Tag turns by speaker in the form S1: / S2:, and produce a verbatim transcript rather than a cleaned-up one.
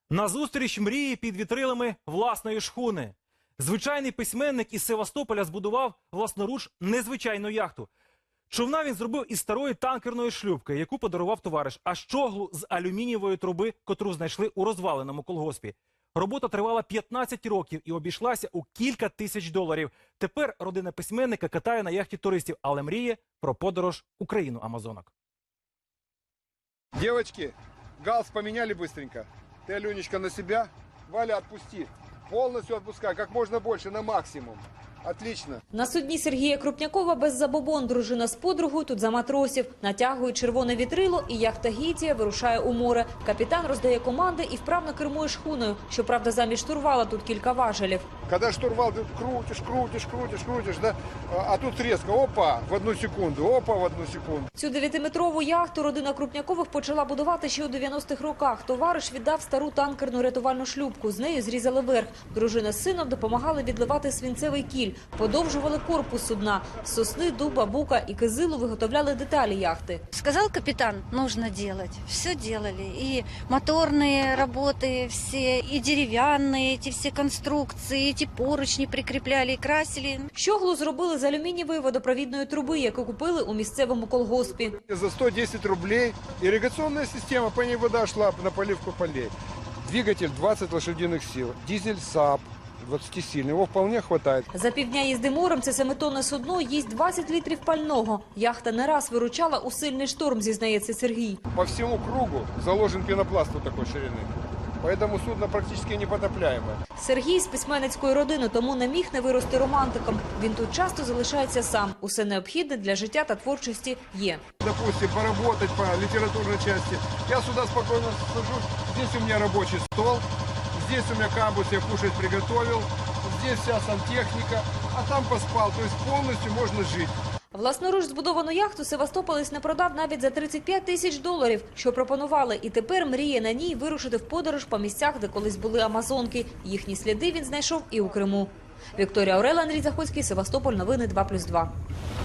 S1: Назустріч мрії під вітрилами власної шхуни. Звичайний письменник із Севастополя збудував власноруч незвичайну яхту. Човна він зробив із старої танкерної шлюпки, яку подарував товариш, а щоглу з алюмінієвої труби, котру знайшли у розваленому колгоспі. Робота тривала п'ятнадцять років і обійшлася у кілька тисяч доларів. Тепер родина письменника катає на яхті туристів, але мріє про подорож у країну Амазонок.
S2: Девочки, галс поменяли быстренько. Ты, Аленечка, на себя. Валя, отпусти. Полностью отпускай, как можно больше, на максимум. Отлично.
S3: На судні Сергія Крупнякова без забобон дружина з подругою тут за матросів. Натягує червоне вітрило і яхта Гітія вирушає у море. Капітан роздає команди і вправно кермує шхуною. Щоправда, замість штурвала тут кілька важелів.
S2: Когда штурвал ты крутишь, крутишь, крутишь, крутишь, да? А тут резко, опа, в одну секунду, опа, в одну секунду.
S3: Цю дев'ятиметрову яхту родина Крупнякових почала будувати ще у дев'яностих роках. Товариш віддав стару танкерну рятувальну шлюпку. З нею зрізали верх. Дружина з сином допомагали відливати свинцевий кіль. Подовжували корпус судна. З сосни, дуба, бука і кизилу виготовляли деталі яхти.
S4: Сказал капитан, нужно делать. Все делали. И моторные работы все, и деревянные, эти все конструкции, эти поручни прикрепляли и красили.
S3: Щоглу зробили з алюмінієвої водопровідної труби, яку купили у місцевому колгоспі.
S2: За сто десять рублей ирригационная система, по ней вода шла на поливку полей. Двигатель двадцать лошадиных сил, дизель САП двадцатисильный, его вполне хватает.
S3: За півдня їзди морем це семитонне судно їсть двадцять літрів пального. Яхта не раз виручала у сильний шторм, зізнається Сергій.
S2: По всему кругу заложен пенопласт вот такой ширины. Поэтому судно практически непотопляемое.
S3: Сергій з письменницької родини, тому не міг не вирости романтиком. Він тут часто залишається сам. Усе необхідне для життя та творчості є.
S2: Допустим, поработать по литературной части. Я сюда спокойно сажусь. Здесь у меня рабочий стол. Здесь у меня камбус, я кушать приготовил. Здесь вся сантехника. А там поспал. То есть полностью можно жить.
S3: Власноруч збудовану яхту севастополець не продав навіть за тридцять п'ять тисяч доларів, що пропонували. І тепер мріє на ній вирушити в подорож по місцях, де колись були амазонки. Їхні сліди він знайшов і у Криму. Вікторія Орел, Андрій Заходський, Севастополь, новини два плюс два.